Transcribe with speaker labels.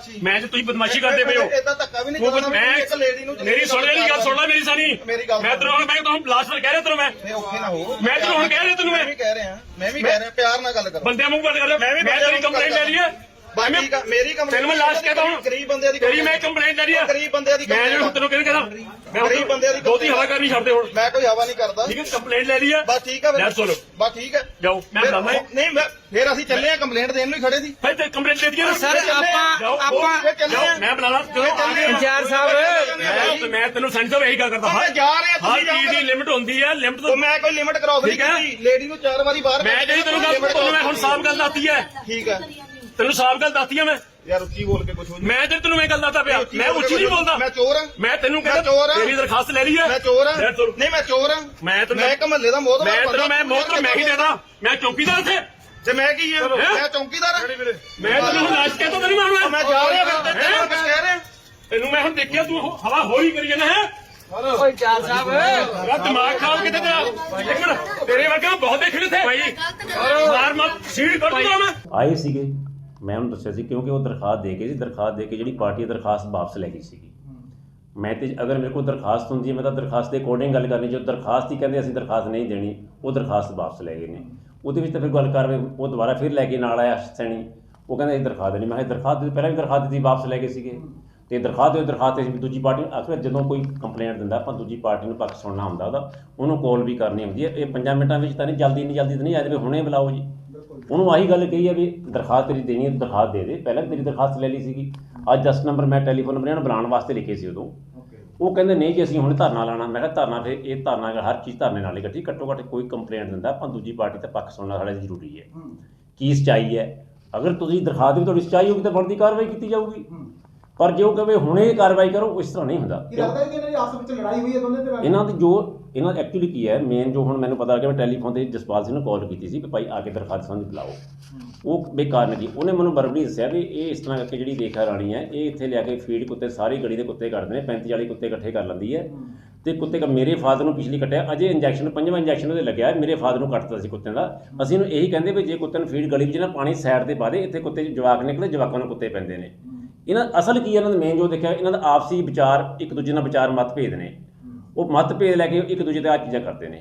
Speaker 1: मैं जो तुम बदमाशी करते पे हो मेरी सुन मेरी गल सुन ला मेरी सानी मैं तेरे मैं तो लास्ट बार कह रहा तेरे मैं तेरे हुण कह रहा तेनू मैं
Speaker 2: प्यार नाल गल करो
Speaker 1: बंदे मुंह बंद कर मैं तेरी कंप्लेंट ले ली है
Speaker 2: मेरी
Speaker 1: तेन मैं लास्ट कहता हूँ
Speaker 2: गरीब बंदे दी
Speaker 1: तेरी मैं कंप्लेंट ले ली है
Speaker 2: गरीब बंदे दी
Speaker 1: मैं जो तेनू कहना
Speaker 2: गरीब बंदे दी
Speaker 1: बहुती हवा करनी छड्ड दे हुण
Speaker 2: मैं कोई हवा नहीं करता
Speaker 1: ठीक है कंप्लेंट ले ली है
Speaker 2: बस ठीक है
Speaker 1: बस सुनो
Speaker 2: बस ठीक है
Speaker 1: जाओ मैं बुलाना
Speaker 2: नहीं मैं फिर ਅਸੀਂ ਚੱਲੇ ਆ ਕੰਪਲੇਂਟ ਦੇਣ ਨੂੰ ਹੀ ਖੜੇ ਸੀ
Speaker 1: फिर ते कंप्लेंट दे दिया
Speaker 3: सर आप
Speaker 1: मैं बुलाना
Speaker 3: इंचार्ज साहब
Speaker 1: मैं तेन सेंटर यही गल करता
Speaker 2: ਮੈਂ ਜਾ ਰਿਹਾ
Speaker 1: हर चीज की लिमिट होती है लिमिट तो
Speaker 2: ਮੈਂ ਕੋਈ ਲਿਮਟ ਕਰਾਸ ਨਹੀਂ
Speaker 1: ਠੀਕ ਹੈ।
Speaker 2: ਕੀਤੀ ਲੇਡੀ ਨੂੰ 4 ਵਾਰੀ ਬਾਹਰ
Speaker 1: मैं जी तेन गल मैं हुण साफ गल दसती है
Speaker 2: ਠੀਕ ਹੈ
Speaker 1: तेन साफ गल दसती है मैं
Speaker 2: ਯਾਰ ਉੱਚੀ ਬੋਲ ਕੇ ਕੁਝ ਹੋ
Speaker 1: मैं तेन मैं गल दसदा पिया मैं उच्ची नहीं बोलता
Speaker 2: ਮੈਂ ਚੋਰ ਹਾਂ
Speaker 1: मैं तेन
Speaker 2: मैं चोर हां।
Speaker 1: तेरी दरखास्त ले ली है
Speaker 2: ਮੈਂ ਚੋਰ ਹਾਂ
Speaker 1: ਲੈ ਸੁਣ।
Speaker 2: ਨਹੀਂ ਮੈਂ ਚੋਰ ਹਾਂ
Speaker 1: मैं तेन
Speaker 2: ਮੈਂ ਇੱਕ ਮਹੱਲੇ ਦਾ ਮੋਹਤਬਰ
Speaker 1: मैं तेन मैं मोहतर मैं ही देता मैं चौकीदार थे
Speaker 2: ਤੇ ਮੈਂ ਕੀ ਹਾਂ ਮੈਂ ਚੌਂਕੀਦਾਰ ਹਾਂ
Speaker 1: मैं तेन लाश कहता तो नहीं मारना
Speaker 2: ਮੈਂ ਜਾ ਰਿਹਾ ਫਿਰ ਤੇ ਤੈਨੂੰ ਕੁਝ ਕਹਿ ਰਿਹਾ
Speaker 1: तेन मैं हम देखिया तू हवा हो ही करी जाना है
Speaker 3: इंचार्ज साहब
Speaker 1: तेरा दिमाग खराब कितने तेरा एक मिनट तेरे वर्गे बहुत देखने थे भाई मार मत सीढ़ कर दूंगा मैं
Speaker 4: ਆਏ ਸੀਗੇ ਮੈਂ ਉਹਨੂੰ ਦੱਸਿਆ ਸੀ ਕਿਉਂਕਿ ਉਹ ਦਰਖਾਸਤ ਦੇ ਕੇ ਜਿਹੜੀ ਪਾਰਟੀ ਦਰਖਾਸਤ ਵਾਪਸ ਲੈ ਗਈ ਸੀਗੀ ਮੈਂ ਤੇ ਅਗਰ ਮੇਰੇ ਕੋਲ ਦਰਖਾਸਤ ਹੁੰਦੀ ਹੈ ਮੈਂ ਤਾਂ ਦਰਖਾਸਤ ਦੇ ਅਕੋਰਡਿੰਗ ਗੱਲ ਕਰਨੀ ਜੋ ਦਰਖਾਸਤ ਹੀ ਕਹਿੰਦੇ ਅਸੀਂ ਦਰਖਾਸਤ ਨਹੀਂ ਦੇਣੀ ਉਹ ਦਰਖਾਸਤ ਵਾਪਸ ਲੈ ਗਏ ਨੇ ਉਹਦੇ ਵਿੱਚ ਤਾਂ ਫਿਰ ਗੱਲ ਕਰ ਉਹ ਦੁਬਾਰਾ ਫਿਰ ਲੈ ਕੇ ਨਾਲ ਆਇਆ ਸੈਣੀ ਉਹ ਕਹਿੰਦਾ ਇਹ ਦਰਖਾਸਤ ਨਹੀਂ ਮੈਂ ਕਿਹਾ ਦਰਖਾਸਤ ਪਹਿਲਾਂ ਵੀ ਦਰਖਾਸਤ ਦਿੱਤੀ ਵਾਪਸ ਲੈ ਗਏ ਸੀਗੇ ਤੇ ਦਰਖਾਸਤ ਅਸੀਂ ਦੂਜੀ ਪਾਰਟੀ ਨੂੰ ਆਖਰ ਜਦੋਂ ਕੋਈ ਕੰਪਲੇਂਟ ਦਿੰਦਾ ਆਪਾਂ ਦੂਜੀ ਪਾਰਟੀ ਨੂੰ ਪੱਖ ਸੁਣਨਾ ਹੁੰਦਾ ਉਹਦਾ ਉਹਨੂੰ ਕਾਲ ਵੀ ਕਰਨੀ ਹੁੰਦੀ ਹੈ ਇਹ 5 ਮਿੰਟਾਂ ਵਿੱਚ ਤਾਂ ਨਹੀਂ ਜਲਦੀ ਤਾਂ ਨਹੀਂ ਆ ਜਾਵੇ ਹੁਣੇ ਬੁਲਾਓ ਜੀ ਉਹਨੂੰ ਆਹੀ ਗੱਲ ਕਹੀ ਹੈ ਵੀ ਦਰਖਾਸਤ ਤੇਰੀ ਦੇਣੀ ਹੈ ਦਰਖਾਸਤ ਦੇ ਦੇ ਪਹਿਲਾਂ ਤੇਰੀ ਦਰਖਾਸਤ ਲੈ ਲਈ ਸੀਗੀ ਅੱਜ 10 ਨੰਬਰ ਮੈਂ ਟੈਲੀਫੋਨ ਨੰਬਰ ਇਹਨਾਂ ਨੂੰ ਬੁਲਾਉਣ ਵਾਸਤੇ ਲਿਖੇ ਸੀ ਉਦੋਂ ਉਹ ਕਹਿੰਦੇ ਨਹੀਂ ਜੀ ਅਸੀਂ ਹੁਣ ਧਰਨਾ ਲਾਣਾ ਮੈਂ ਕਿਹਾ ਧਰਨਾ ਫਿਰ ਇਹ ਧਰਨਾ ਹਰ ਚੀਜ਼ ਧਰਨੇ ਨਾਲ ਹੀ ਇਕੱਠੀ ਘੱਟੋ ਘੱਟ ਕੋਈ ਕੰਪਲੇਂਟ ਦਿੰਦਾ ਆਪਾਂ ਦੂਜੀ ਪਾਰਟੀ ਤੇ ਪੱਖ ਸੁਣਨਾ ਸਾਡਾ ਜ਼ਰੂਰੀ ਹੈ ਕੀ ਸੱਚਾਈ ਹੈ ਅਗਰ ਤੁਸੀਂ ਦਰਖਾਸਤ ਦੀ ਤੁਹਾਡੀ ਸੱਚਾਈ ਹੋਊਗੀ ਤਾਂ ਬਣਦੀ ਕਾਰਵਾਈ ਕੀਤੀ ਜਾਊਗੀ ਪਰ ਜੇ ਉਹ ਕਹੇ ਹੁਣੇ ਕਾਰਵਾਈ ਕਰੋ ਇਸ ਤਰ੍ਹਾਂ ਨਹੀਂ ਹੁੰਦਾ
Speaker 5: ਲੱਗਦਾ ਕਿ ਇਹਨਾਂ ਦੀ ਆਪਸ ਵਿੱਚ ਲੜਾਈ ਹੋਈ ਹੈ ਦੋਨੇ ਧਿਰਾਂ ਦੀ
Speaker 4: ਇਹਨਾਂ ਦੀ ਜੋ ਇਹਨਾਂ ਐਕਚੁਅਲੀ ਕੀ ਹੈ ਮੇਨ ਜੋ ਹੁਣ ਮੈਨੂੰ ਪਤਾ ਲੱਗਿਆ ਮੈਂ ਟੈਲੀਫੋਨ ਤੇ ਜਸਪਾਲ ਸਿੰਘ ਨੂੰ ਕਾਲ ਕੀਤੀ ਸੀ ਕਿ ਭਾਈ ਆ ਕੇ ਦਰਖਾਸਤ ਸੰਬੰਧੀ ਬੁਲਾਓ ਉਹ ਬੇਕਾਰ ਨਹੀਂ ਉਹਨੇ ਮੈਨੂੰ ਬਰਬਰੀ ਦੱਸਿਆ ਵੀ ਇਹ ਇਸ ਤਰ੍ਹਾਂ ਕਰਕੇ ਜਿਹੜੀ ਰੇਖਾ ਰਾਣੀ ਹੈ ਇਹ ਇੱਥੇ ਲਿਆ ਕੇ ਫੀਡ ਕੁੱਤੇ ਸਾਰੀ ਗਲੀ ਦੇ ਕੁੱਤੇ ਕੱਢਦੇ ਨੇ 35-40 ਕੁੱਤੇ ਇਕੱਠੇ ਕਰ ਲੈਂਦੀ ਹੈ ਤੇ ਕੁੱਤੇ ਮੇਰੇ ਫਾਦਰ ਨੂੰ ਪਿਛਲੀ ਕੱਟਿਆ ਅਜੇ ਇੰਜੈਕਸ਼ਨ 5ਵਾਂ ਇੰਜੈਕਸ਼ਨ ਉਹਦੇ ਲੱਗਿਆ ਮੇਰੇ ਫਾਦਰ ਨੂੰ ਕੱਟਤਾ ਸੀ ਕੁੱਤਿਆਂ ਦਾ ਅਸੀਂ ਇਹਨੂੰ ਇਹੀ ਕਹਿੰਦੇ ਵੀ ਜੇ ਕੁੱਤੇ ਨੂੰ ਫੀਡ ਗਲੀ ਵਿੱਚ ਨਾ ਪਾਣੀ ਸਾਈਡ ਤੇ ਪਾ ਦੇ ਇੱਥੇ ਕੁੱਤੇ ਜਵਾਕ ਨਿਕਲੇ ਜਵਾਕਾਂ ਨੂੰ ਕੁੱਤੇ ਪੈਂਦੇ ਨੇ ਇਹਨਾਂ ਅਸਲ ਕੀ ਇਹਨਾਂ ਦਾ ਮੇਨ ਜੋ ਦੇਖਿਆ ਇਹਨਾਂ ਦਾ ਆਪਸੀ ਵਿਚਾਰ ਇੱਕ ਦੂਜੇ ਨਾਲ ਵਿਚਾਰ ਮਤਭੇਦ ਨੇ ਉਹ ਮਤਭੇਦ ਲੈ ਕੇ ਇੱਕ ਦੂਜੇ ਤੇ ਆ ਚੀਜ਼ਾਂ ਕਰਦੇ ਨੇ